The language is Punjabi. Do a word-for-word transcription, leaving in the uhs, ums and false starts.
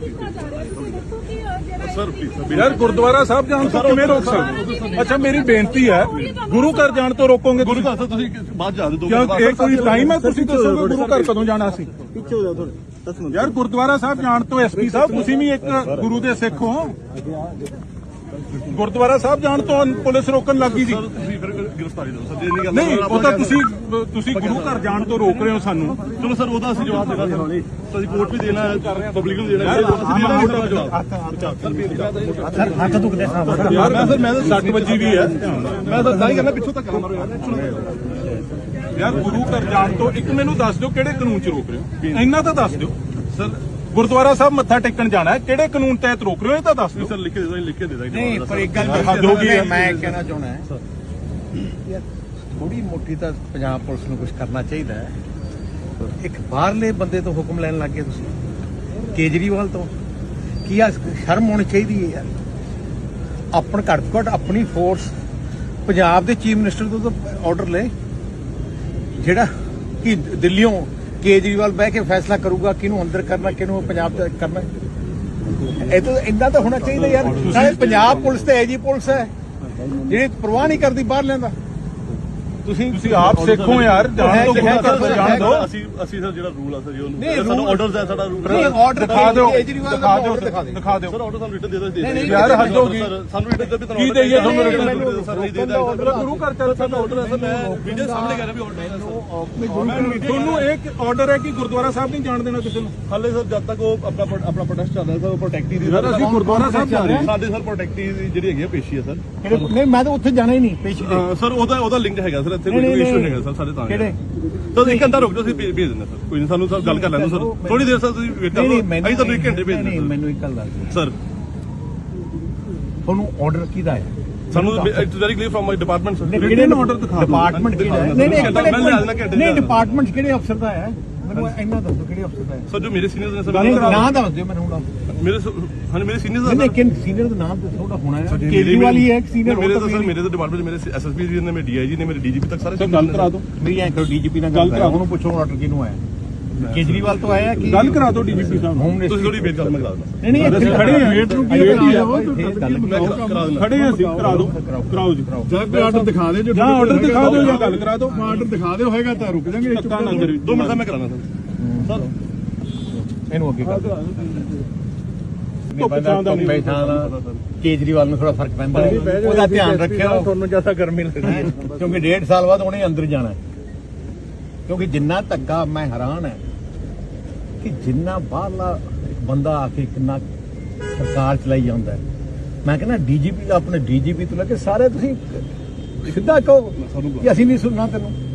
यार गुरुद्वारा साहब जान तो किवें रोक सकते? अच्छा मेरी बेनती है गुरु घर जान तो रोकोगे? गुरु घर तो बाद जा दो ये कोई टाइम है तुसीं दसोगे गुरु घर कदों जाना सी? यार गुरुद्वारा साहब जान तो एस पी साहब तुसीं भी एक गुरु दे सिख हो। गुरुद्वारा साहब जान तो पुलिस रोकन लगी सी नहीं ਉਹ ਤਾਂ ਤੁਸੀਂ ਤੁਸੀਂ ਗੁਰੂ ਘਰ ਜਾਣ ਤੋਂ ਰੋਕ ਰਹੇ ਹੋ ਸਾਨੂੰ। ਚਲੋ ਸਰ ਉਹਦਾ ਅਸੀਂ ਜਵਾਬ ਦੇਣਾ ਸਰ ਅਸੀਂ ਕੋਰਟ ਵੀ ਦੇਣਾ ਪਬਲਿਕ ਨੂੰ ਦੇਣਾ ਸਰ ਹੱਥ ਦੁਖਦੇ ਸਾਹਿਬ ਯਾਰ ਮੈਂ ਸਰ ਮੈਂ ਤਾਂ ਸੱਟ ਵੱਜੀ ਵੀ ਹੈ ਮੈਂ ਤਾਂ ਤਾਂ ਹੀ ਕਰਨਾ ਪਿੱਛੋਂ ਤੱਕ ਮਾਰੋ ਯਾਰ ਯਾਰ ਗੁਰੂ ਘਰ ਜਾਣ ਤੋਂ ਇੱਕ ਮੈਨੂੰ ਦੱਸ ਦਿਓ ਕਿਹੜੇ ਕਾਨੂੰਨ 'ਚ ਰੋਕ ਰਹੇ ਹੋ ਇੰਨਾ ਤਾਂ ਦੱਸ ਦਿਓ ਸਰ। ਗੁਰਦੁਆਰਾ ਸਾਹਿਬ ਮੱਥਾ ਟੇਕਣ ਜਾਣਾ ਹੈ ਕਿਹੜੇ ਕਾਨੂੰਨ ਤਹਿਤ ਰੋਕ ਰਹੇ ਹੋ ਇਹ ਤਾਂ ਦੱਸ ਦਿਓ ਸਰ। ਲਿਖ ਕੇ ਦੇ ਦੋ ਲਿਖ ਕੇ ਦੇ ਦਾਂਗੇ ਨਹੀਂ ਪਰ ਇੱਕ ਗੱਲ ਮੈਂ ਕਹਿਣਾ ਚਾਹੁੰਦਾ ਹੈ ਥੋੜੀ ਮੋਟੀ ਤਾਂ ਪੰਜਾਬ ਪੁਲਿਸ ਨੂੰ ਕੁਝ ਕਰਨਾ ਚਾਹੀਦਾ ਹੈ। ਇੱਕ ਬਾਹਰਲੇ ਬੰਦੇ ਤੋਂ ਹੁਕਮ ਲੈਣ ਲੱਗ ਗਏ ਤੁਸੀਂ ਕੇਜਰੀਵਾਲ ਤੋਂ ਕੀ ਆ ਸ਼ਰਮ ਹੋਣੀ ਚਾਹੀਦੀ ਹੈ ਯਾਰ। ਆਪਣ ਘੱਟ ਤੋਂ ਘੱਟ ਆਪਣੀ ਫੋਰਸ ਪੰਜਾਬ ਦੇ ਚੀਫ ਮਿਨਿਸਟਰ ਤੋਂ ਤਾਂ ਆਰਡਰ ਲੈ ਜਿਹੜਾ ਕਿ ਦਿੱਲੀੋਂ ਕੇਜਰੀਵਾਲ ਬਹਿ ਕੇ ਫੈਸਲਾ ਕਰੂਗਾ ਕਿਹਨੂੰ ਅੰਦਰ ਕਰਨਾ ਕਿਹਨੂੰ ਪੰਜਾਬ ਚ ਕਰਨਾ। ਇਹ ਤਾਂ ਇੰਨਾ ਤਾਂ ਹੋਣਾ ਚਾਹੀਦਾ ਯਾਰ। ਸਾਰੇ ਪੰਜਾਬ ਪੁਲਿਸ ਤੇ ਐਜੀ ਪੁਲਿਸ ਹੈ ਜਿਹੜੀ ਪਰਵਾਹ ਨਹੀਂ ਕਰਦੀ ਬਾਹਰ ਲੈਂਦਾ। ਤੁਸੀਂ ਤੁਸੀਂ ਆਪ ਸਿੱਖੋ ਯਾਰ ਜਾਣ ਤੋਂ ਗੁਰੂ ਘਰ ਜਾਣ ਦਿਓ। ਅਸੀਂ ਅਸੀਂ ਸਰ ਜਿਹੜਾ ਰੂਲ ਆ ਸਰ ਜੀ ਸਾਨੂੰ ਆਰਡਰਸ ਹੈ ਸਾਡਾ ਰੂਲ ਨਹੀਂ ਆਰਡਰ ਦਿਖਾ ਦਿਓ ਕੇਜਰੀਵਾਲ ਦਿਖਾ ਦਿਓ ਦਿਖਾ ਦਿਓ ਦਿਖਾ ਦਿਓ ਸਰ ਆਰਡਰ ਸਾਨੂੰ ਰਿਟਨ ਦੇ ਦੋ ਦੇ ਯਾਰ ਹੱਦ ਹੋ ਗਈ ਸਾਨੂੰ ਰਿਟਨ ਦੇ ਵੀ ਕੀ ਦੇਈਏ ਤੁਹਾਨੂੰ ਰਿਟਨ ਸਰ ਨਹੀਂ ਦੇ ਦਾਂਗੇ ਗੁਰੂ ਘਰ ਚੱਲ ਸਾਡਾ ਆਰਡਰ ਹੈ ਸਰ ਮੈਂ ਵੀਡੀਓ ਸਾਹਮਣੇ ਕਰ ਰਿਹਾ ਵੀ ਆਰਡਰ ਹੈ ਤੁਹਾਨੂੰ ਇੱਕ ਆਰਡਰ ਹੈ ਕਿ ਗੁਰਦੁਆਰਾ ਸਾਹਿਬ ਨਹੀਂ ਜਾਣ ਦੇਣਾ ਕਿਸੇ ਨੂੰ। ਹਾਲੇ ਸਰ ਜਦ ਤੱਕ ਉਹ ਆਪਣਾ ਆਪਣਾ ਪ੍ਰੋਟੈਸਟ ਚੱਲ ਰਿਹਾ ਸਰ ਉਹ ਪ੍ਰੋਟੈਕਟੀ ਦੀ ਯਾਰ ਅਸੀਂ ਗੁਰਦੁਆਰਾ ਸਾਹਿਬ ਜਾ ਰਹੇ ਹਾਂ ਸਾਡੇ ਸਰ ਪ੍ਰੋਟੈਕਟੀ ਦੀ ਜਿਹੜੀ ਹੈਗੀ ਪੇਸ਼ੀ ਹੈ ਸਰ। ਨਹੀਂ ਮੈਂ ਤਾਂ ਉੱਥੇ ਜਾਣਾ ਹੀ ਨਹੀਂ ਪੇਸ਼ੀ ਤੇ ਸਰ ਉਹਦਾ ਉਹਦਾ ਲਿੰਕ ਹੈਗਾ ਸਰ ਇੱਥੇ ਕੋਈ ਇਸ਼ੂ ਹੈਗਾ ਸਰ ਸਾਡੇ ਤਾਂ ਕਿਹੜੇ ਤਾਂ ਇੱਕ ਘੰਟਾ ਰੁਕ ਜਾਓ ਅਸੀਂ ਭੇਜ ਦਿੰਦੇ ਸਰ ਕੋਈ ਨਹੀਂ ਸਾਨੂੰ ਸਰ ਗੱਲ ਕਰ ਲੈਂਦੇ ਸਰ ਥੋੜੀ ਦੇਰ ਸਰ ਤੁਸੀਂ ਵੇਟ ਕਰੋ ਅਸੀਂ ਤੁਹਾਨੂੰ ਇੱਕ ਘੰਟੇ ਭੇਜ ਦਿੰਦੇ ਨਹੀਂ ਮੈਨੂੰ ਇੱਕ ਗੱਲ ਦੱਸ ਸਰ ਤੁਹਾਨੂੰ ਆਰਡਰ ਕਿਹਦਾ ਹੈ? ਸਾਨੂੰ it's very clear from my department sir ਕਿਹੜੇ ਨੂੰ ਆਰਡਰ ਦਿਖਾ ਡਿਪਾਰਟਮੈਂਟ ਕਿਹੜਾ ਹੈ? ਨਹੀਂ ਨਹੀਂ ਨਹੀਂ ਡਿਪਾਰਟਮੈਂਟ ਕਿਹੜੇ ਅਫਸਰ ਦਾ ਹੈ ਮੈਨੂੰ ਇੰਨਾ ਦੱਸੋ ਕਿਹੜੇ ਅਫਸਰ ਦਾ ਹੈ? ਸਰ ਜੋ ਮੇਰੇ ਸੀਨੀਅਰਸ ਨੇ ਸਰ ਨਾਮ ਦੱਸ ਦਿਓ ਮੈਨੂੰ ਹੁਣ। ਮੇਰੇ ਹਾਂ ਮੇਰੇ ਸੀਨੀਅਰਸ ਨਹੀਂ ਨਹੀਂ ਕਿਨ ਸੀਨੀਅਰ ਦਾ ਨਾਮ ਤਾਂ ਥੋੜਾ ਹੋਣਾ ਹੈ। ਕੇਜਰੀਵਾਲ ਹੀ ਹੈ ਸੀਨੀਅਰ ਮੇਰੇ ਤਾਂ ਸਰ ਮੇਰੇ ਤਾਂ ਡਿਪਾਰਟਮੈਂਟ ਮੇਰੇ ਐਸਐਸਪੀ ਜੀ ਨੇ ਮੇਰੇ ਡੀਆਈਜੀ ਨੇ ਮੇਰੇ ਡੀਜੀਪੀ ਤੱਕ ਸਾਰੇ ਗੱਲ ਕਰਾ ਦਿਓ ਮੇਰੀ ਐਂ ਕਰੋ ਡੀਜੀਪੀ ਨਾਲ ਗੱਲ ਕਰਾਓ ਉਹਨੂੰ ਪੁੱਛੋ ਆਰਡਰ ਕਿਹਨੂੰ ਆਇਆ ਕੇਜਰੀਵਾਲ ਤੋਂ ਆਇਆ ਕਿ ਗੱਲ ਕਰਾ ਦਿਓ ਡੀਜੀਪੀ ਸਾਹਿਬ ਹੋਮ ਤੁਸੀਂ ਥੋੜੀ ਵੇਟ ਕਰੋ ਮੈਂ ਕਰਾ ਦਿੰਦਾ ਨਹੀਂ ਨਹੀਂ ਅਸੀਂ ਖੜੇ ਹਾਂ ਵੇਟ ਨੂੰ ਕੀ ਕਰਾ ਦਿੰਦਾ ਖੜੇ ਹਾਂ ਅਸੀਂ ਕਰਾ ਦਿਓ ਕਰਾਓ ਜੀ ਜਾਂ ਕੋਈ ਆਰਡਰ ਦਿਖਾ ਦੇ ਜੋ ਜਾਂ ਆਰਡਰ ਦਿਖਾ ਦਿਓ ਜਾਂ ਗੱਲ ਕਰਾ ਦਿਓ। ਆਰਡਰ ਦਿਖਾ ਦਿਓ ਹੋਏਗਾ ਤਾਂ ਰੁਕ ਜਾਾਂਗੇ ਦੋ ਮਿੰਟ ਦਾ ਮੈਂ ਕਰਾਣਾ ਸਰ ਇਹਨੂੰ ਅੱਗੇ ਕਰ ਕੇਜਰੀਵਾਲ ਨੂੰ ਥੋੜਾ ਫਰਕ ਪੈਂਦਾ ਉਹਦਾ ਧਿਆਨ ਰੱਖਿਓ ਤੁਹਾਨੂੰ ਜਿਆਦਾ ਗਰਮੀ ਲੱਗਦੀ ਕਿਉਂਕਿ ਡੇਢ ਸਾਲ ਬਾਅਦ ਉਹਨੇ ਅੰਦਰ ਜਾਣਾ ਕਿਉਂਕਿ ਜਿੰਨਾ ਧੱਕਾ ਮੈਂ ਹੈਰਾਨ ਹੈ ਕਿ ਜਿੰਨਾ ਬਾਹਰਲਾ ਬੰਦਾ ਆ ਕੇ ਕਿੰਨਾ ਸਰਕਾਰ ਚਲਾਈ ਜਾਂਦਾ ਹੈ। ਮੈਂ ਕਹਿੰਦਾ ਡੀਜੀਪੀ ਦਾ ਆਪਣੇ ਡੀਜੀਪੀ ਤੋਂ ਲੈ ਕੇ ਸਾਰੇ ਤੁਸੀਂ ਸਿੱਧਾ ਕਹੋ ਕਿ ਅਸੀਂ ਨਹੀਂ ਸੁਣਨਾ ਤੈਨੂੰ।